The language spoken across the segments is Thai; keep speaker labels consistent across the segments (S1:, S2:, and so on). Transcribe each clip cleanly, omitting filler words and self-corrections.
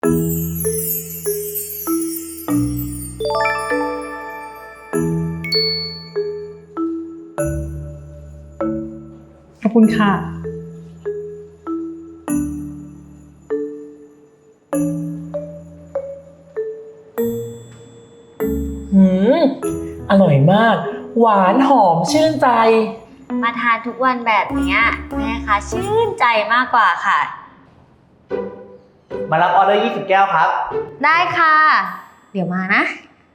S1: ขอบคุณค่ะ
S2: หืมอร่อยมากหวานหอมชื่นใจ
S3: มาทานทุกวันแบบนี้แม่คะชื่นใจมากกว่าค่ะ
S4: มารับออเดอร์20 แก้วครับ
S3: ได้ค่ะ เดี๋ยวมานะ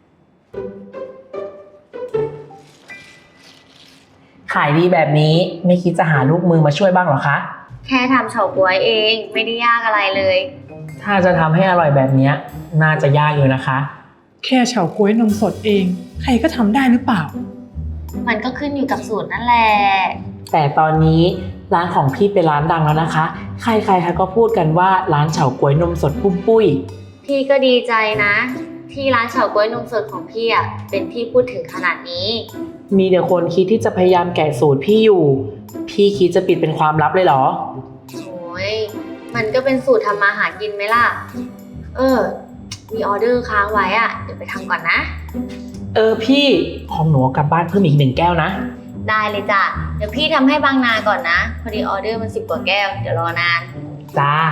S2: ขายดีแบบนี้ไม่คิดจะหาลูกมือมาช่วยบ้างหรอคะ
S3: แค่ทำเฉาก๊วยเองไม่ได้ยากอะไรเลย
S2: ถ้าจะทำให้อร่อยแบบนี้น่าจะยากอยู่นะคะ
S1: แค่เฉาก๊วยนมสดเองใครก็ทำได้หรือเปล่า
S3: มันก็ขึ้นอยู่กับสูตรนั่นแหละ
S2: แต่ตอนนี้ร้านของพี่เป็นร้านดังแล้วนะคะใครๆเขาก็พูดกันว่าร้านเฉาก๊วยนมสดปุ้มปุ้ย
S3: พี่ก็ดีใจนะที่ร้านเฉาก๊วยนมสดของพี่เป็นที่พูดถึงขนาดนี้
S2: มีแต่คนคิดที่จะพยายามแกะสูตรพี่อยู่พี่คิดจะปิดเป็นความลับเลยเหรอ
S3: โอ้ยมันก็เป็นสูตรทำมาหากินไหมล่ะมีออเดอร์ค้างไว้เดี๋ยวไปทำก่อนนะ
S2: พี่ของหนูกลับบ้านเพิ่มอีก1 แก้วนะ
S3: ได้เลยจ้ะเดี๋ยวพี่ทำให้บางนาก่อนนะพอดีออเดอร์มัน10 กว่าแก้วเดี๋ยวรอนาน
S2: จ้า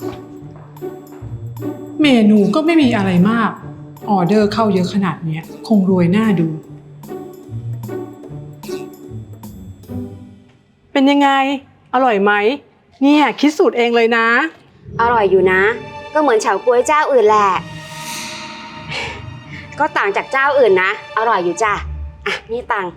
S1: เมนูก็ไม่มีอะไรมากออเดอร์เข้าเยอะขนาดนี้คงรวยหน้าดูเป็นยังไงอร่อยไหมเนี่ยคิดสูตรเองเลยนะ
S5: อร่อยอยู่นะก็เหมือนเฉาก๊วยเจ้าอื่นแหละก็ต่างจากเจ้าอื่นนะอร่อยอยู่จ้ะนี่ตัง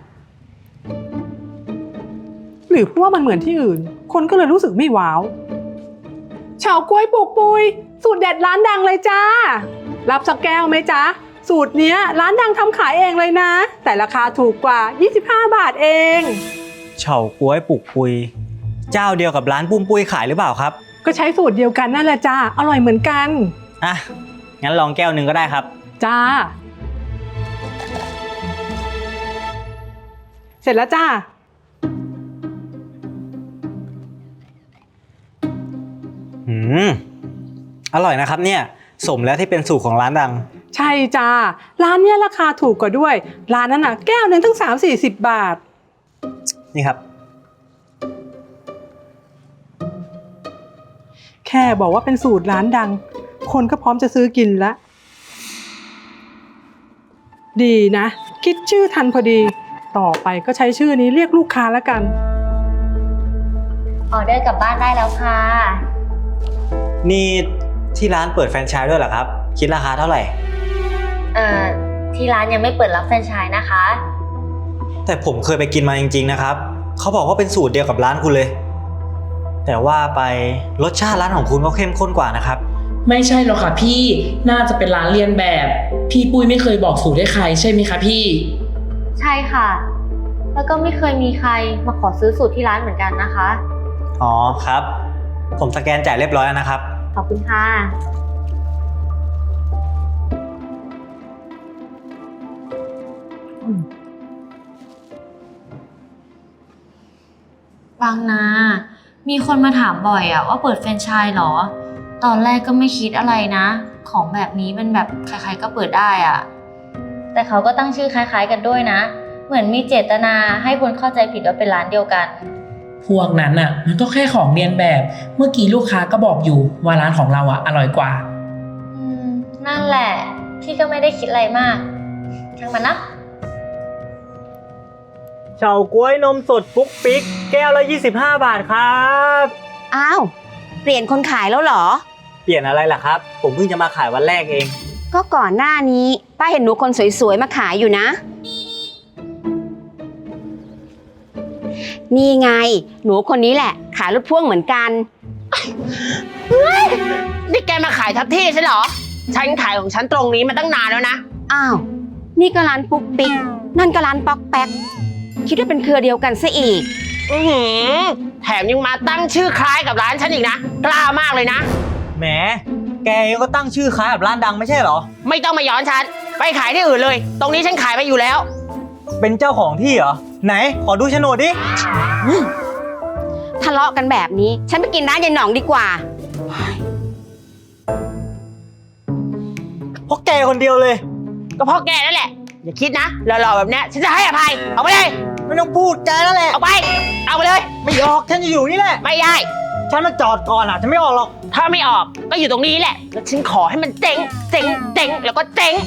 S1: หรือเพราะว่ามันเหมือนที่อื่นคนก็เลยรู้สึกไม่ว้าวเฉาก๊วยปลูกปุยสูตรเด็ดร้านดังเลยจ้ารับสักแก้วไหมจ๊ะสูตรเนี้ยร้านดังทำขายเองเลยนะแต่ราคาถูกกว่า25 บาทเอง
S4: เฉาก๊วยปลุกปุยเจ้าเดียวกับร้านปุ้มปุ้ยขายหรือเปล่าครับ
S1: ก็ใช้สูตรเดียวกันนั่นแหละจ้าอร่อยเหมือนกัน
S4: งั้นลองแก้วหนึ่งก็ได้ครับ
S1: จ้าเสร็จแล้วจ้า
S4: อร่อยนะครับเนี่ยสมแล้วที่เป็นสูตรของร้านดัง
S1: ใช่จ้าร้านเนี้ยราคาถูกกว่าด้วยร้านนั้นน่ะแก้วนึงตั้ง30-40 บาท
S4: นี่ครับ
S1: แค่บอกว่าเป็นสูตรร้านดังคนก็พร้อมจะซื้อกินแล้วดีนะคิดชื่อทันพอดีต่อไปก็ใช้ชื่อนี้เรียกลูกค้าแล้วกัน
S3: ออเดอร์กลับบ้านได้แล้วค่ะ
S4: นี่ที่ร้านเปิดแฟรนไชส์ด้วยเหรอครับคิดราคาเท่าไหร่
S3: ที่ร้านยังไม่เปิดรับแฟรนไชส์นะคะ
S4: แต่ผมเคยไปกินมาจริงๆนะครับเขาบอกว่าเป็นสูตรเดียวกับร้านคุณเลยแต่ว่าไปรสชาติร้านของคุณก็เข้มข้นกว่านะครับ
S2: ไม่ใช่หรอกค่ะพี่น่าจะเป็นร้านเรียนแบบพี่ปุ้ยไม่เคยบอกสูตรให้ใครใช่ไหมคะพี่
S3: ใช่ค่ะแล้วก็ไม่เคยมีใครมาขอซื้อสูตรที่ร้านเหมือนกันนะคะ
S4: อ๋อครับผมสแกนจ่ายเรียบร้อยแล้วนะครับ
S3: ขอบคุณค่ะบางนามีคนมาถามบ่อยว่าเปิดแฟรนไชส์เหรอตอนแรกก็ไม่คิดอะไรนะของแบบนี้มันแบบใครๆก็เปิดได้แต่เขาก็ตั้งชื่อคล้ายๆกันด้วยนะเหมือนมีเจตนาให้คนเข้าใจผิดว่าเป็นร้านเดียวกัน
S2: พวกนั้นมันก็แค่ของเรียนแบบเมื่อกี้ลูกค้าก็บอกอยู่ว่าร้านของเราอร่อยกว่า
S3: นั่นแหละพี่ก็ไม่ได้คิดอะไรมากช่างมันนะ
S4: เฉาก๊วยนมสดปุ๊กปิ๊กแก้วละ25 บาทครับ
S5: อ้าวเปลี่ยนคนขายแล้วเหรอ
S4: เปลี่ยนอะไรล่ะครับผมเพิ่งจะมาขายวันแรกเอง
S5: ก็ก่อนหน้านี้ป้าเห็นหนูคนสวยๆมาขายอยู่นะนี่ไงหนูคนนี้แหละขายรถพ่วงเหมือนกัน
S6: นี่แกมาขายทับที่ใช่เหรอฉันขายของฉันตรงนี้มาตั้งนานแล้วนะ
S5: อ้าวนี่ก็ร้านปุ๊กปิ๊กนั่นก็ร้านป๊อกแป๊กคิดว่าเป็นเครือเดียวกันซะอีก
S6: แถมยังมาตั้งชื่อคล้ายกับร้านฉันอีกนะกล้ามากเลยนะ
S4: แหมแกก็ตั้งชื่อคล้ายกับร้านดังไม่ใช่เหรอ
S6: ไม่ต้องมาย้อนฉันไปขายที่อื่นเลยตรงนี้ฉันขายมาอยู่แล้ว
S4: เป็นเจ้าของที่เหรอไหนขอดูโฉนดดิ
S5: ทะเลาะกันแบบนี้ฉันไปกินร้านยายหน่องดีกว่า
S4: คนเดียวเลย
S6: ก็เพราะแกนั่นแหละ อย่าคิดนะหล่อๆแบบเนี้ยฉันจะให้อภัย เอาไปเลย
S4: ไม่ต้องพูดแกนั่นแหละ
S6: เอาไป เอาไปเลย
S4: ไม่ออกฉันจะอยู่นี่แหละ
S6: ไม่ได้
S4: ฉันมาจอดก่อนอ่ะฉันไม่ออกหรอก
S6: ถ้าไม่ออกก็อยู่ตรงนี้แหละ แล้วฉันขอให้มันเจ๊ง เจ๊ง เจ๊ง แล้วก็เจ๊ง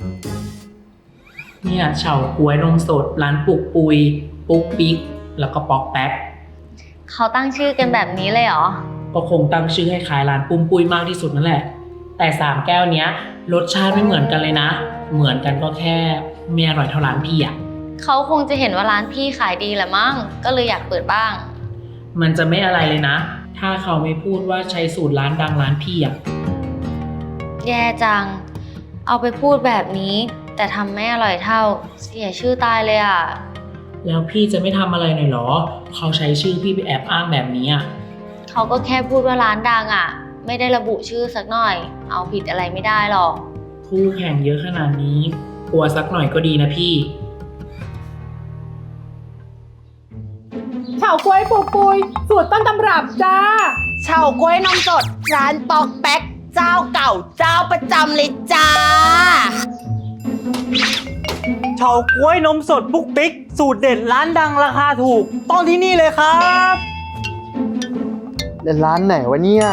S2: เนี่ยเฉาก๊วยนมสดร้านปุกปุย ปุ๊กปิ๊กแล้วก็ป๊อกแป๊ก
S3: เขาตั้งชื่อกันแบบนี้เลยเหรอ
S2: ก็คงตั้งชื่อให้ขายร้านปุ้มปุยมากที่สุดนั่นแหละ แต่3แก้วเนี้ยรสชาติไม่เหมือนกันเลยนะ เหมือนกันก็แค่ไม่อร่อยเท่าร้านพี่อะ
S3: เขาคงจะเห็นว่าร้านพี่ขายดีแหละมั้ง ก็เลยอยากเปิดบ้าง
S2: มันจะไม่อะไรเลยนะ ถ้าเขาไม่พูดว่าใช้สูตรร้านดังร้านพี่อะ
S3: แย่จัง เอาไปพูดแบบนี้ แต่ทำไม่อร่อยเท่า เสียชื่อตายเลยอ่ะ
S2: แล้วพี่จะไม่ทำอะไรหน่อยเหรอ เขาใช้ชื่อพี่ไปแอบอ้างแบบนี้อะ
S3: เขาก็แค่พูดว่าร้านดังอ่ะ ไม่ได้ระบุชื่อสักหน่อย เอาผิดอะไรไม่ได้หรอก
S2: คู่แข่งเยอะขนาดนี้กลัวสักหน่อยก็ดีนะพี่
S1: เฉาก๊วยปุกปุยสูตรต้นตำรับจ้า
S6: เฉาก๊วยนมสด ร้านปอกแป๊ก เจ้าเก่าเจ้าประจำเลยจ้า
S4: เฉาก๊วยนมสดปุ๊กปิ๊กสูตรเด็ดร้านดังราคาถูกต้องที่นี่เลยครับ
S7: ร้านไหนวะเนี่ย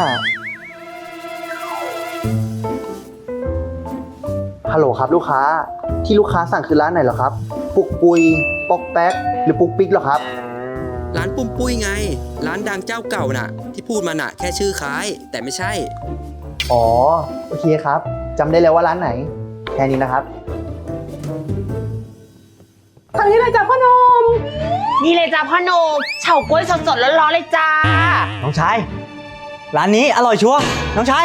S7: ฮัลโหลครับลูกค้า ที่ลูกค้าสั่งคือร้านไหนเหรอครับ ปุกปุย ปอกแป๊ก หรือปุกปิ๊กเหรอครับ
S8: ร้านปุ้มปุ้ยไง ร้านดังเจ้าเก่าน่ะ ที่พูดมาน่ะแค่ชื่อคล้าย แต่ไม่ใช่
S7: อ๋อ โอเคครับจำได้แล้วว่าร้านไหน แค่นี้นะครับ
S1: ทางนี้เลยจ้ะพ่อหนม
S6: นี่เลยจ้าพ่อโนมเฉาก๊วยสดๆร้อนๆเลยจ้า
S4: น้องชาย ร้านนี้อร่อยชัวร์น้องชาย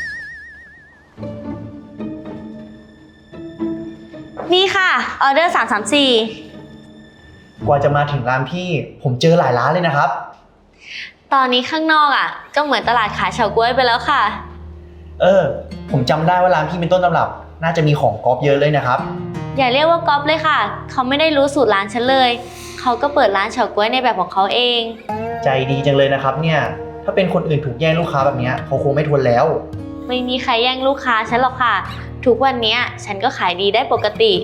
S3: นี่ค่ะ ออเดอร์334
S7: กว่าจะมาถึงร้านพี่ ผมเจอหลายร้านเลยนะครับ
S3: ตอนนี้ข้างนอกอ่ะ ก็เหมือนตลาดขายเฉาก๊วยไปแล้วค่ะ
S7: ผมจำได้ว่าร้านพี่เป็นต้นตำรับ น่าจะมีของก๊อปเยอะเลยนะครับ
S3: อย่าเรียกว่าก๊อปเลยค่ะ เขาไม่ได้รู้สูตรร้านฉันเลย เขาก็เปิดร้านเฉาก๊วยในแบบของเขาเอง
S7: ใจดีจังเลยนะครับเนี่ย ถ้าเป็นคนอื่นถูกแย่งลูกค้าแบบเนี้ยเขาคงไม่ทนแล้ว
S3: ไม่มีใครแย่งลูกค้าฉันหรอกค่ะ ทุกวันเนี้ยฉันก็ขายดีได้ปกติ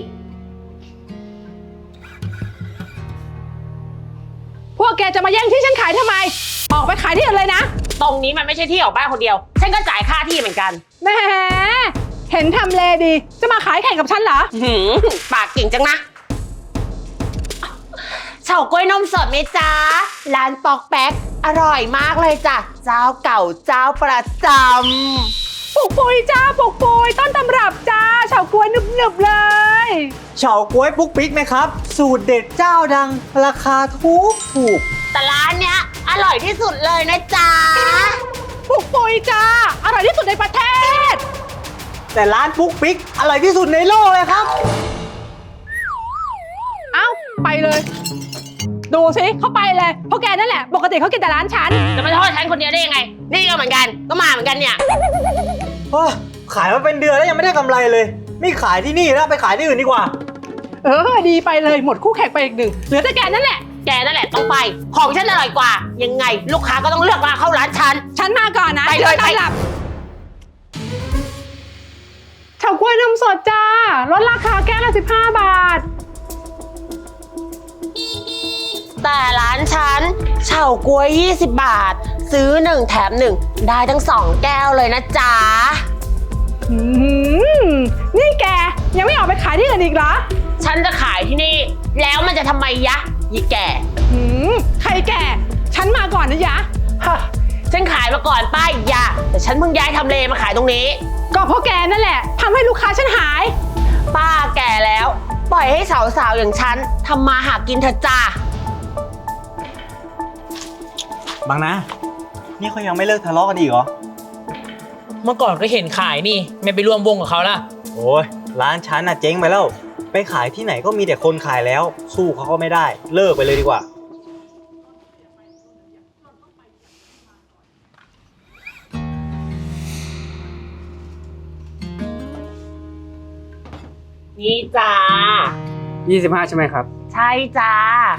S1: พวกแกจะมาแย่งที่ฉันขายทำไม ออกไปขายที่อื่นเลยนะ
S6: ตรงนี้มันไม่ใช่ที่ของบ้านคนเดียว ฉันก็จ่ายค่าที่เหมือนกัน
S1: แหมเห็นทำเลดี จะมาขายแข่งกับฉันเหรอ
S6: หืมปากเก่งจังนะ เฉาก๊วยนมสดไหมจ้า ร้านปอกแป๊ก อร่อยมากเลยจ้ะ เจ้าเก่าเจ้าประจำ
S1: ปุกปุยจ้าปุกปุยต้นตำรับจ้าเฉาก๊วยหนึบๆเลย
S4: เฉาก๊วยปุ๊กปิ๊กไหมครับ สูตรเด็ดเจ้าดัง ราคาถูก
S6: แต่ร้านเนี้ยอร่อยที่สุดเลยนะจ๊ะ
S1: ปุกปุยจ้าอร่อยที่สุดในประเทศ
S4: แต่ร้านปุ๊กปิ๊กอร่อยที่สุดในโลกเลยครับ
S1: เอ้าไปเลย ดูสิเขาไปเลยเพราะแกนั่นแหละปกติเขากินแต่ร้านฉัน
S6: จะมาโทษฉันคนเดียวได้ยังไง นี่ก็เหมือนกัน ก็มาเหมือนกันเนี่ย
S4: ขายมาเป็นเดือนแล้วยังไม่ได้กำไรเลย ไม่ขายที่นี่แล้วไปขายที่อื่นดีกว่า
S1: ดีไปเลยหมดคู่แข่งไปอีกหนึ่งเหลือแต่แกนั่นแหละ
S6: แกนั่นแหละต้องไป ของฉันอร่อยกว่า ยังไง ลูกค้าก็ต้องเลือกมาเข้าร้านฉัน
S1: ฉันมาก่อนนะ
S6: ไปเลย
S1: ฉันต้อนรับเฉาก๊วยนมสดจ้าลดราคาแก้วละ15 บาท
S6: แต่ร้านฉันเฉาก๊วย 20 บาท ซื้อ 1 แถม 1 ได้ทั้ง 2 แก้วเลยนะจ๊ะ
S1: นี่แกยังไม่ออกไปขายที่อื่นอีกเหรอ
S6: ฉันจะขายที่นี่ แล้วมันจะทำไมยะยี่แก่
S1: ใครแกฉันมาก่อนนะยะ
S6: ฮะฉันขายมาก่อนป้ายยะแต่ฉันเพิ่งย้ายทำเลมาขายตรงนี้
S1: ก็เพราะแกนั่นแหละทำให้ลูกค้าฉันหาย
S6: ป้าแก่แล้ว ปล่อยให้สาวๆอย่างฉันทำมาหากินเถอะจ้า
S4: บางนะ นี่เขายังไม่เลิกทะเลาะกันอีกเหรอ
S2: เมื่อก่อนก็เห็นขายนี่ ไม่ไปร่วมวงกับเขาล่ะ
S4: โอ้ยร้านฉันน่ะเจ๊งไปแล้ว ไปขายที่ไหนก็มีแต่คนขายแล้ว สู้เขาก็ไม่ได้ เลิกไปเลยดีกว่า
S6: นี่จ้า
S9: 25 ใช่ไหมครับ
S6: ใช่จ้า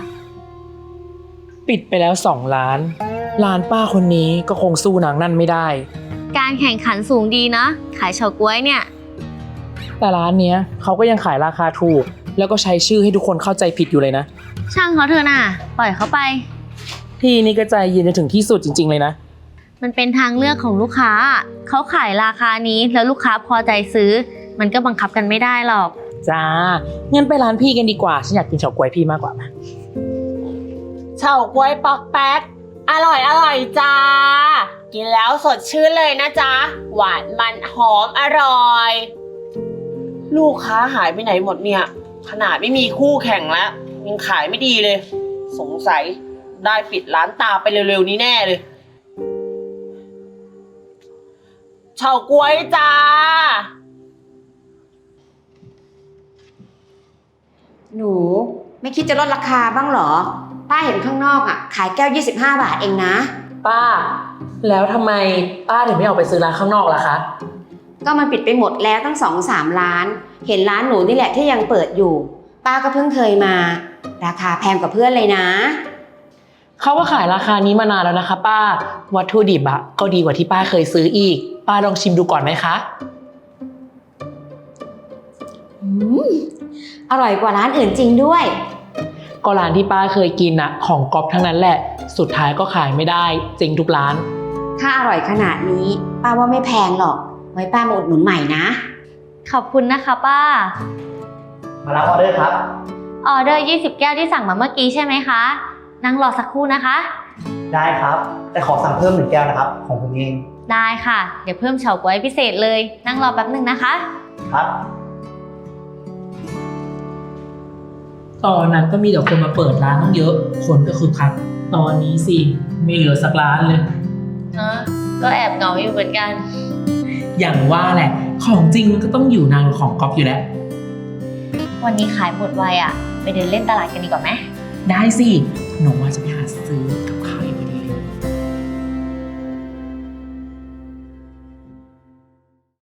S2: ปิดไปแล้ว2 ร้าน ร้านป้าคนนี้ก็คงสู้นางนั่นไม่ได้
S3: การแข่งขันสูงดีนะ ขายเฉาก๊วยเนี่ย
S2: แต่ร้านเนี้ยเขาก็ยังขายราคาถูก แล้วก็ใช้ชื่อให้ทุกคนเข้าใจผิดอยู่เลยนะ
S3: ช่างเขาเถอะน่ะ ปล่อยเขาไป
S2: พี่นี่ก็ใจเย็นจนถึงที่สุดจริงๆเลยนะ
S3: มันเป็นทางเลือกของลูกค้า เขาขายราคานี้แล้วลูกค้าพอใจซื้อ มันก็บังคับกันไม่ได้หรอก
S2: จ้างั้นไปร้านพี่กันดีกว่า ฉันอยากกินเฉาก๊วยพี่มากกว่า
S6: เฉาก๊วยปอกแป๊กอร่อยจ้า กินแล้วสดชื่นเลยนะจ๊ะ หวานมันหอมอร่อย ลูกค้าหายไปไหนหมดเนี่ย ขนาดไม่มีคู่แข่งแล้ว ยังขายไม่ดีเลย สงสัยได้ปิดร้านตามไปเร็วๆนี้แน่เลยเฉาก๊วยจ้า
S5: หนูไม่คิดจะลดราคาบ้างเหรอ ป้าเห็นข้างนอกอ่ะ ขายแก้ว 25 บาทเองนะ
S2: ป้า แล้วทำไมป้าถึงไม่ออกไปซื้อร้านข้างนอกล่ะคะ
S5: ก็มันปิดไปหมดแล้วตั้ง 2-3 ร้าน เห็นร้านหนูนี่แหละที่ยังเปิดอยู่ ป้าก็เพิ่งเคยมา ราคาแพงกว่าเพื่อนเลยนะ
S2: เขาก็ขายราคานี้มานานแล้วนะคะ ป้า วัตถุดิบอะก็ดีกว่าที่ป้าเคยซื้ออีก ป้าลองชิมดูก่อนไหมคะ
S5: อร่อยกว่าร้านอื่นจริงด้วย
S2: ก็ร้านที่ป้าเคยกินอะของก๊อปทั้งนั้นแหละ สุดท้ายก็ขายไม่ได้เจ๊งทุกร้าน
S5: ถ้าอร่อยขนาดนี้ ป้าว่าไม่แพงหรอก ไว้ป้ามาอุดหนุนใหม่นะ
S3: ขอบคุณนะคะป้า
S4: มารับออเดอร์ครับ
S3: ออเดอร์20 แก้วที่สั่งมาเมื่อกี้ใช่ไหมคะ นั่งรอสักครู่นะคะ
S4: ได้ครับ แต่ขอสั่งเพิ่ม1 แก้วนะครับ ของผมเอง
S3: ได้ค่ะ เดี๋ยวเพิ่มเฉาก๊วยพิเศษเลย นั่งรอแป๊บหนึ่งนะคะ
S4: ครับ
S2: ตอนนั้นก็มีแต่คนมาเปิดร้านตั้งเยอะ คนก็คือคัก ตอนนี้สิไม่เหลือสักร้านเลย
S3: ก็แอบเหงาอยู่เหมือนกัน
S2: อย่างว่าแหละ ของจริงมันก็ต้องอยู่นานกว่าของก๊อปอยู่แล้ว
S3: วันนี้ขายหมดไวอะไปเดินเล่นตลาดกันดีกว่าไหม
S2: ได้สิ หนูว่าจะไปหาซื้อ